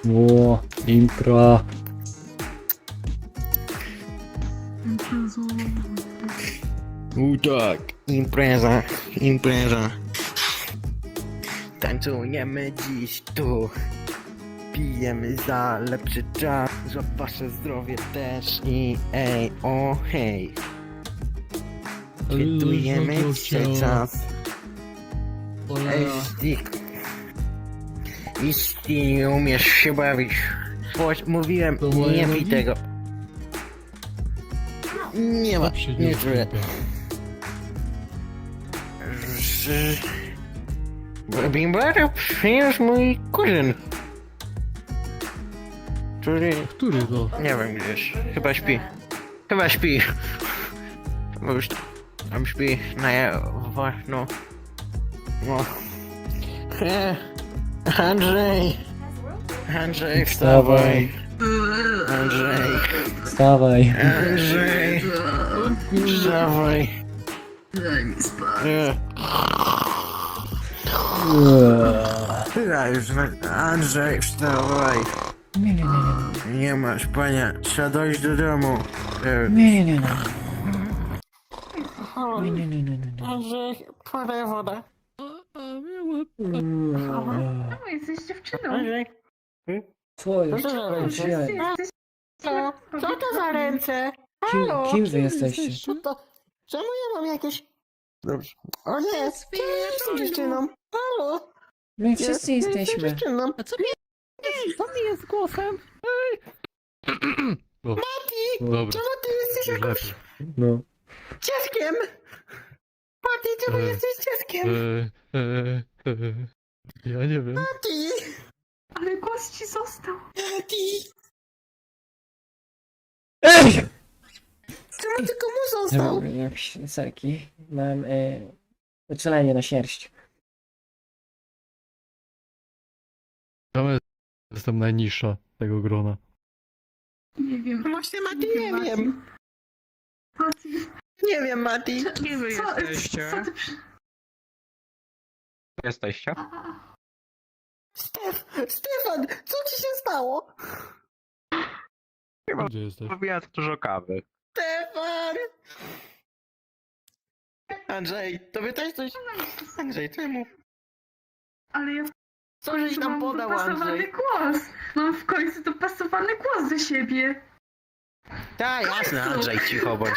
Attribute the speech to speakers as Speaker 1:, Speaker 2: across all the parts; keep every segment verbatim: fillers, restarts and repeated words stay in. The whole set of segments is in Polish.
Speaker 1: Ło, impra.
Speaker 2: U tak, impreza, impreza. Tańcujemy dziś tu. Pijemy za lepszy czas, za wasze zdrowie też i ej, o hej. Świętujemy dzisiaj czas. Jeśli, jeśli nie umiesz się bawić, Poś, mówiłem,
Speaker 3: To moje
Speaker 2: nie pij
Speaker 3: nogi?
Speaker 2: tego. Nie ma,
Speaker 3: Dobrze,
Speaker 2: nie
Speaker 3: nie
Speaker 2: czuję. Bimbara przyniósł mój kuzyn. Który,
Speaker 3: Który to?
Speaker 2: nie wiem gdzieś, chyba śpi. Chyba śpi. Bo już tam śpi na ja, no. No. He, Andrzej. Andrzej, wstawaj. Andrzej.
Speaker 1: Wstawaj.
Speaker 2: Andrzej. Wstawaj.
Speaker 4: Daj mi spać.
Speaker 2: Nie. Ja już, Andrzej, wstawaj.
Speaker 1: Nie, nie, nie,
Speaker 2: Nie masz, panie, trzeba dojść do domu. E,
Speaker 1: nie, nie, nie, nie. Nie, nie, nie, nie, nie, nie.
Speaker 2: Andrzej, podaj wodę.
Speaker 3: A, a miałem...
Speaker 4: No, jesteś dziewczyną.
Speaker 2: Andrzej,
Speaker 1: Co
Speaker 2: co
Speaker 1: jest?
Speaker 2: to za ręce?
Speaker 1: Gdzie?
Speaker 4: Jesteś...
Speaker 2: Co? Co to za ręce?
Speaker 1: Kim,
Speaker 2: Halo?
Speaker 1: kim wy jesteście?
Speaker 2: Co to? Czemu ja mam jakieś... Dobrze. O nie, czemu ja jestem dziewczyną? Halo?
Speaker 1: My wszyscy
Speaker 2: Ja jestem
Speaker 1: jesteśmy.
Speaker 2: dziewczyną.
Speaker 3: A co mi jest? Co mi jest z głosem? Ej! O,
Speaker 2: Mati,
Speaker 3: dobra,
Speaker 2: czemu ty jesteś
Speaker 3: już
Speaker 2: jakimś
Speaker 3: lepiej.
Speaker 1: No.
Speaker 2: dzieckiem? Mati, czemu
Speaker 3: E,
Speaker 2: jesteś dzieckiem?
Speaker 3: E, e, e, ja nie wiem.
Speaker 2: Mati,
Speaker 4: Ale głos ci został.
Speaker 2: Mati,
Speaker 1: Ej!
Speaker 2: czemu ty komu został?
Speaker 1: Jak serki. Mam e, uczulenie na sierść.
Speaker 3: Ja jestem najniższa tego grona.
Speaker 4: Nie wiem.
Speaker 2: Właśnie Mati, nie wiem.
Speaker 4: Mati.
Speaker 2: Nie wiem, Mati.
Speaker 5: Kim wy
Speaker 4: Co,
Speaker 5: jesteście?
Speaker 4: co ty przy...
Speaker 5: Jesteście?
Speaker 4: A, a, a.
Speaker 2: Stef, Stefan, co ci się stało?
Speaker 3: Gdzie jesteś?
Speaker 5: Robiłem dużo kawy.
Speaker 2: Stefan! Andrzej, tobie też coś... Andrzej, czemu?
Speaker 4: Ale ja
Speaker 2: Co żeś nam
Speaker 4: mam
Speaker 2: podał,
Speaker 4: dopasowany
Speaker 2: Andrzej?
Speaker 4: głos. Mam w końcu dopasowany głos do siebie.
Speaker 2: Tak, jasne, Andrzej, cicho bądź.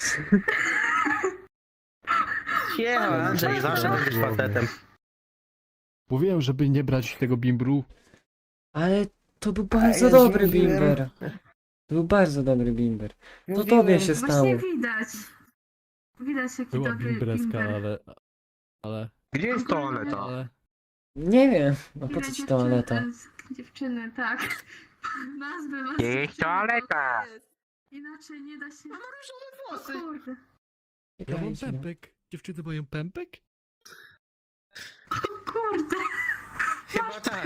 Speaker 2: Cicho, Andrzej, zawsze będziesz facetem.
Speaker 3: Mówiłem, żeby nie brać tego bimbru.
Speaker 1: Ale to był bardzo
Speaker 2: ja
Speaker 1: dobry
Speaker 2: już mówiłem.
Speaker 1: bimber. To był bardzo dobry bimber. To
Speaker 2: Mówiłem.
Speaker 1: tobie się stało.
Speaker 4: Właśnie widać. Widać jaki
Speaker 3: Była
Speaker 4: dobry
Speaker 3: bimbreska,
Speaker 4: bimber.
Speaker 3: ale... Ale...
Speaker 5: Gdzie jest toaleta?
Speaker 3: ale...
Speaker 1: Nie wiem. No po
Speaker 4: Widać
Speaker 1: co ci
Speaker 4: dziewczyny-
Speaker 1: toaleta?
Speaker 4: e, Dziewczyny, tak. Nazwy was
Speaker 5: Gdzie jest
Speaker 4: dziewczyny,
Speaker 5: toaleta?
Speaker 4: bo Inaczej nie da się...
Speaker 2: Mam różowe
Speaker 4: O
Speaker 2: włosy.
Speaker 4: kurde.
Speaker 3: Ja mam
Speaker 1: Czekajcie, no.
Speaker 3: pępek. Dziewczyny mają pępek?
Speaker 4: O kurde.
Speaker 2: Chyba tak.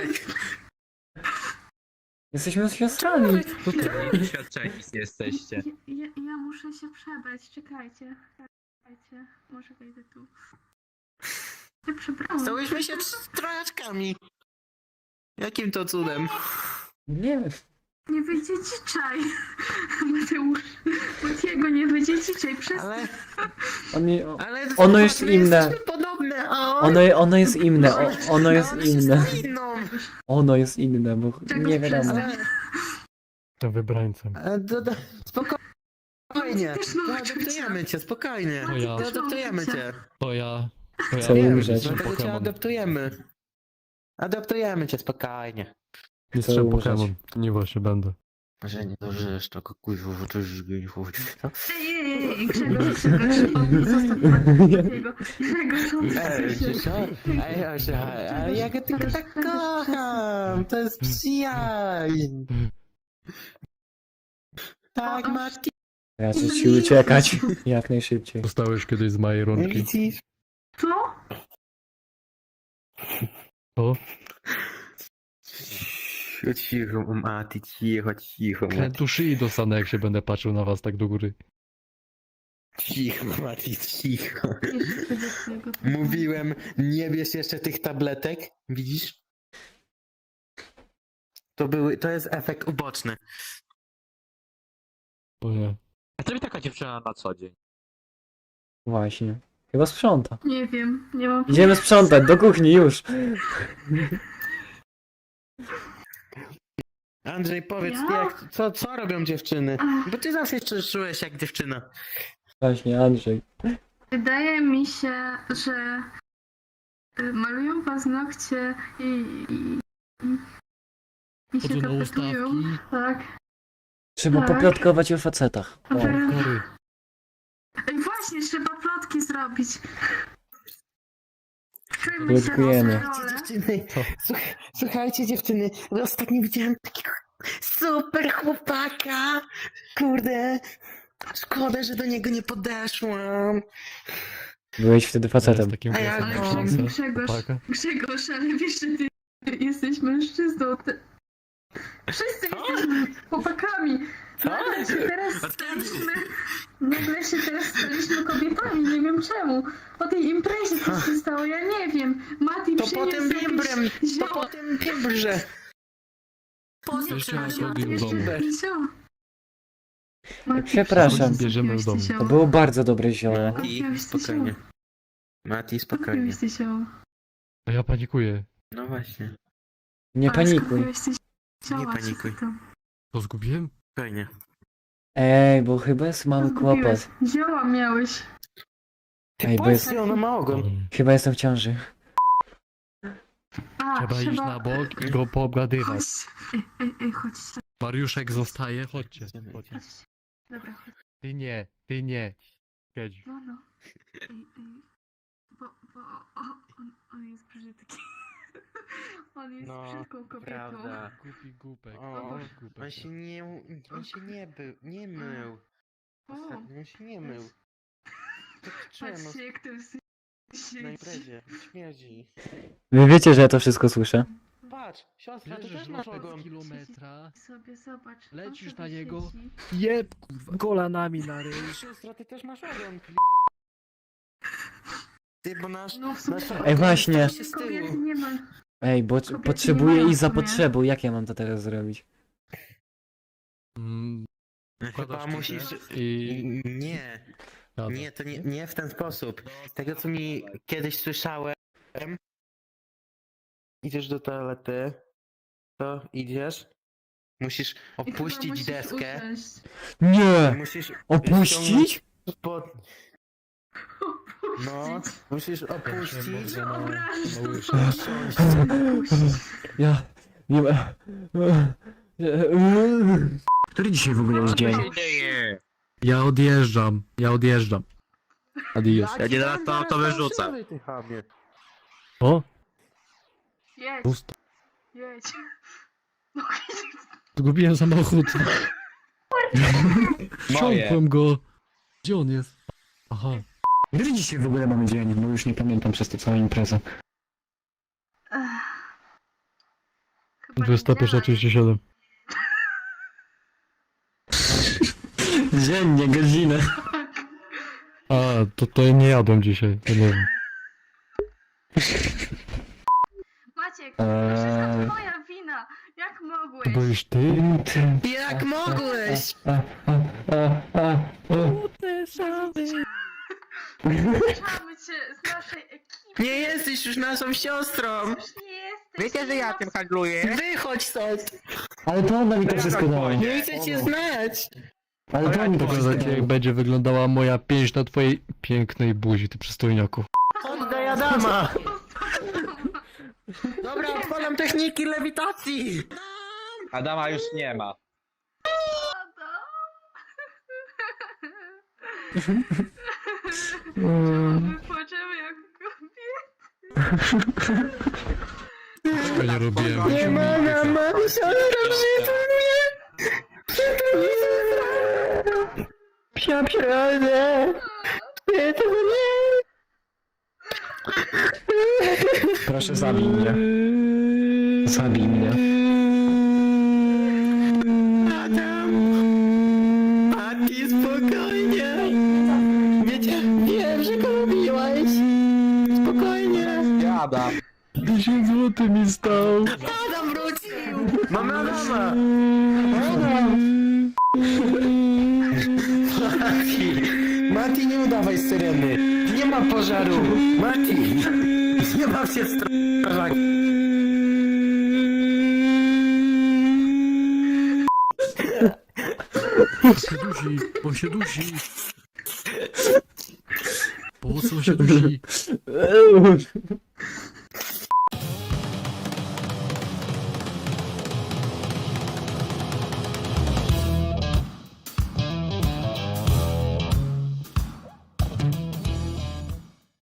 Speaker 1: Jesteśmy siostrami.
Speaker 5: Doświadczeni jesteście.
Speaker 4: Ja, ja, ja muszę się przebrać, czekajcie. Czekajcie, może wejdę tu. Ja przebrałam.
Speaker 2: Stałyśmy się trz- trojaczkami. Jakim to cudem?
Speaker 1: Nie wiem.
Speaker 4: Nie wyjdzie dzisiaj. Mateusz, Matiego nie wyjdzie dzisiaj, przez...
Speaker 2: Ale...
Speaker 1: On, nie- o-
Speaker 2: ale
Speaker 1: Ono jest
Speaker 2: my
Speaker 1: inne.
Speaker 2: jesteśmy podobne, a on...
Speaker 1: ono, ono jest inne. O, ono
Speaker 2: a
Speaker 1: jest
Speaker 2: on się
Speaker 1: inne.
Speaker 2: stał inną.
Speaker 1: Ono jest inne, bo
Speaker 4: Czego
Speaker 1: nie wiadomo.
Speaker 4: przez-
Speaker 2: Ale...
Speaker 3: Jestem wybrańcem.
Speaker 2: A, do, do, spokojnie.
Speaker 4: Też mam
Speaker 2: Adoptujemy cię, spokojnie.
Speaker 3: To ja.
Speaker 2: Adoptujemy cię.
Speaker 3: To ja... To ja
Speaker 1: Chcę
Speaker 2: Wiem,
Speaker 1: umrzeć.
Speaker 2: dlatego cię
Speaker 3: Pokémon.
Speaker 2: adoptujemy. Adoptujemy cię, spokojnie.
Speaker 3: Mistrzem
Speaker 1: umrzeć.
Speaker 3: Pokémon. Nie właśnie będę.
Speaker 2: Że nie dożyjesz tego kuźwa, to już nie chodzi.
Speaker 4: Ej, ej, ej, Grzegorz, Grzegorz, zostaw Matiego. Grzegorz,
Speaker 2: Ej,
Speaker 4: odsuń się.
Speaker 2: co? Ej, Asia, ale ja go tylko tak kocham. To jest przyjaźń. Tak, Mati.
Speaker 1: Radzę ci uciekać jak najszybciej.
Speaker 3: Dostałeś kiedyś z mojej rączki.
Speaker 2: Widzisz?
Speaker 4: Co?
Speaker 3: O?
Speaker 2: Cicho, Mati, cicho, cicho, Mati.
Speaker 3: Krętu szyi dostanę, jak się będę patrzył na was tak do góry.
Speaker 2: Cicho, Mati, cicho.
Speaker 4: Jeszcze do twojego
Speaker 2: Mówiłem, nie bierz jeszcze tych tabletek. Widzisz? To były, to jest efekt uboczny.
Speaker 3: O nie.
Speaker 5: A co mi taka dziewczyna na co dzień?
Speaker 1: Właśnie. Chyba sprząta.
Speaker 4: Nie wiem, nie mam...
Speaker 1: Idziemy sprzątać, do kuchni już.
Speaker 2: Andrzej, powiedz,
Speaker 4: Ja?
Speaker 2: ty jak, co, co robią dziewczyny?
Speaker 4: Ach.
Speaker 2: Bo ty zawsze się czułeś jak dziewczyna.
Speaker 1: Właśnie, Andrzej.
Speaker 4: Wydaje mi się, że y, malują paznokcie i, i, i, i się
Speaker 3: Chodzą na
Speaker 4: tapetują.
Speaker 3: ustawki.
Speaker 4: Tak.
Speaker 1: Trzeba
Speaker 4: Tak.
Speaker 1: poplotkować o facetach.
Speaker 4: A
Speaker 1: O.
Speaker 4: teraz...
Speaker 3: Kory.
Speaker 4: Ej, właśnie, trzeba plotki zrobić. Czujmy się
Speaker 1: Plotkujemy.
Speaker 4: nasze role.
Speaker 2: Dziewczyny,
Speaker 3: Co?
Speaker 2: słuch- słuchajcie dziewczyny, bo ostatnio widziałem takiego super chłopaka. Kurde, szkoda, że do niego nie podeszłam.
Speaker 1: Byłeś wtedy
Speaker 3: Z
Speaker 1: facetem.
Speaker 3: takim
Speaker 2: A ja
Speaker 3: głosem
Speaker 2: go-
Speaker 3: jak
Speaker 4: Ale
Speaker 3: szansę.
Speaker 4: Grzegorz,
Speaker 3: Chłopaka.
Speaker 4: Grzegorz, ale wiesz, że ty jesteś mężczyzną. Ty... Wszyscy jesteśmy chłopakami.
Speaker 2: Co?
Speaker 4: Nagle się teraz
Speaker 2: Od kiedy?
Speaker 4: staliśmy... Nagle się teraz staliśmy kobietami, nie wiem czemu. O tej imprezie co się stało, ja nie wiem. Mati
Speaker 2: To
Speaker 4: przyniósł
Speaker 2: po tym
Speaker 4: jakieś
Speaker 2: bimbrem, to
Speaker 4: zioło.
Speaker 2: po tym bimbrze. Po
Speaker 4: Nie,
Speaker 2: co
Speaker 3: Jeszcze raz
Speaker 2: przyniosła
Speaker 3: robił
Speaker 2: ten
Speaker 3: w domu.
Speaker 2: bimber?
Speaker 4: Zioło. Mati,
Speaker 1: Przepraszam.
Speaker 4: przyniósł
Speaker 3: Bierzemy
Speaker 4: jakieś
Speaker 3: w domu.
Speaker 4: zioło.
Speaker 1: To było bardzo dobre zioło.
Speaker 2: Mati,
Speaker 4: Kupiłeś to
Speaker 2: spokojnie.
Speaker 4: zioło.
Speaker 2: Mati, spokojnie.
Speaker 4: Kupiłeś to zioło.
Speaker 3: A ja panikuję.
Speaker 2: No właśnie,
Speaker 1: Nie
Speaker 4: Ale
Speaker 1: panikuj.
Speaker 4: skupiłeś te zioła,
Speaker 2: Nie
Speaker 4: co
Speaker 2: panikuj.
Speaker 4: ty tam-
Speaker 3: To zgubiłem?
Speaker 2: spokojnie.
Speaker 1: Ej, bo chyba jest mały
Speaker 4: Zgubiłeś.
Speaker 1: kłopot.
Speaker 4: Zioła miałeś.
Speaker 2: Ty
Speaker 1: Ej, bo
Speaker 2: powiedz,
Speaker 1: jest-
Speaker 2: ona ma ogon.
Speaker 1: Chyba jestem w ciąży.
Speaker 4: A,
Speaker 3: Trzeba iść na bok i go poobgadywać.
Speaker 4: Chodź. Ej, ej, ej, chodź.
Speaker 3: Mariuszek zostaje, chodźcie.
Speaker 2: Idziemy,
Speaker 3: chodź.
Speaker 2: idziemy.
Speaker 4: Chodź. Dobra, chodź.
Speaker 3: Ty nie, ty nie. Siedź.
Speaker 4: No, no. Ej, ej. Bo, bo o, on, on jest brzydki. On jest
Speaker 2: No,
Speaker 4: brzydką kobietą.
Speaker 2: prawda.
Speaker 3: Głupi głupek.
Speaker 2: O,
Speaker 3: Głupi głupek.
Speaker 2: On się nie, on się nie był, nie mył.
Speaker 4: O,
Speaker 2: Ostatnio on się nie mył. Tak czemu
Speaker 4: patrzcie jak to jest
Speaker 2: na
Speaker 4: siedzi.
Speaker 2: imprezie? Śmierdzi.
Speaker 1: Wy wiecie, że ja to wszystko słyszę.
Speaker 2: Patrz, siostra, ty
Speaker 3: Bierzesz
Speaker 2: też masz
Speaker 3: lotę
Speaker 2: ogon.
Speaker 3: z kilometra,
Speaker 4: Sobie zobacz. on
Speaker 3: lecisz
Speaker 4: sobie
Speaker 3: na niego.
Speaker 4: siedzi.
Speaker 3: jeb kurwa kolanami na ryj.
Speaker 2: Siostra, ty też masz ogon. Ty, bo nasz...
Speaker 4: No w sumie
Speaker 2: nasz
Speaker 1: Ej,
Speaker 2: ogon
Speaker 1: właśnie.
Speaker 2: jest z
Speaker 4: kobiety
Speaker 2: tyłu.
Speaker 4: nie ma.
Speaker 1: Ej, bo
Speaker 4: Kobiety nie
Speaker 1: potrzebuję
Speaker 4: mają
Speaker 1: iść za
Speaker 4: w sumie.
Speaker 1: potrzebą. Jak ja mam to teraz zrobić?
Speaker 3: Mm,
Speaker 2: Chyba
Speaker 3: wkładasz
Speaker 2: musisz...
Speaker 3: kitę I...
Speaker 2: Nie,
Speaker 3: Jadę.
Speaker 2: nie, to nie, nie w ten sposób. Tego, co mi kiedyś słyszałem, idziesz do toalety, to idziesz, musisz
Speaker 4: I chyba
Speaker 2: opuścić
Speaker 4: musisz
Speaker 2: deskę,
Speaker 4: usiąść.
Speaker 1: Nie!
Speaker 2: musisz
Speaker 1: Opuścić?
Speaker 2: ściągnąć spod... No,
Speaker 4: Opuścić.
Speaker 2: musisz opuścić,
Speaker 3: Dobrze, no.
Speaker 4: Obrażasz.
Speaker 3: Małysza.
Speaker 2: siąść.
Speaker 4: Opuścić.
Speaker 1: Ja... Nie ma... Który dzisiaj w ogóle jest
Speaker 5: Co
Speaker 1: dzień?
Speaker 5: się dzieje?
Speaker 3: Ja odjeżdżam, ja odjeżdżam. Adios.
Speaker 5: Ja nie zaraz to, to wyrzucę.
Speaker 2: Ty chamie.
Speaker 3: O,
Speaker 4: Jedź,
Speaker 3: pusto.
Speaker 4: jedź. No,
Speaker 3: Zgubiłem samochód.
Speaker 5: Moje.
Speaker 3: Wsiąkłem go. Gdzie on jest? Aha.
Speaker 1: Który dzisiaj w ogóle mamy dzień? No już nie pamiętam przez tę całą imprezę.
Speaker 4: Ech. Chyba
Speaker 3: dwudziesta pierwsza
Speaker 4: niedziela
Speaker 3: trzydzieści siedem.
Speaker 1: Dziennie, godzinę.
Speaker 3: A, to, to ja nie jadłem dzisiaj, to nie wiem.
Speaker 4: Maciek,
Speaker 1: Eee.
Speaker 4: to wszystko twoja wina. Jak
Speaker 3: To
Speaker 4: mogłeś?
Speaker 3: byłeś ty?
Speaker 2: Jak mogłeś?
Speaker 4: Zapraszamy cię z naszej ekipy.
Speaker 2: Nie jesteś już naszą siostrą!
Speaker 4: Już nie jesteś.
Speaker 5: Wiecie, że ja tym handluję?
Speaker 2: Wychodź stąd!
Speaker 1: Ale to ona mi to wszystko dała.
Speaker 2: Nie chcę cię znać!
Speaker 1: Ale to mi to wszystko
Speaker 3: Pokazać jak
Speaker 1: dała.
Speaker 3: będzie wyglądała moja pięść na twojej pięknej buzi, ty przystojniaku.
Speaker 2: Oddaj Adama! Dobra, odpalam techniki lewitacji!
Speaker 5: Adama już nie ma.
Speaker 4: My płaczemy jak kobiety.
Speaker 3: Tego nie robiłem.
Speaker 2: Nie mogę, mam siostrę, przytul mnie! Przytul mnie! Psia przyrodę! Przytul mnie!
Speaker 1: Proszę zabij mnie. Zabij mnie.
Speaker 2: Adam! Mati, spokojnie! Wiecie, wiem, że go lubiłeś! Spokojnie!
Speaker 5: Jada.
Speaker 3: dziesięć złotych mi stał.
Speaker 2: Adam wrócił! Mamy Adama! Adam! Mati! Mati, nie udawaj syreny! Nie ma pożaru! Mati! Nie ma się strażak!
Speaker 3: On się dusi, on się dusi. Po co on się dusi?
Speaker 1: Eee,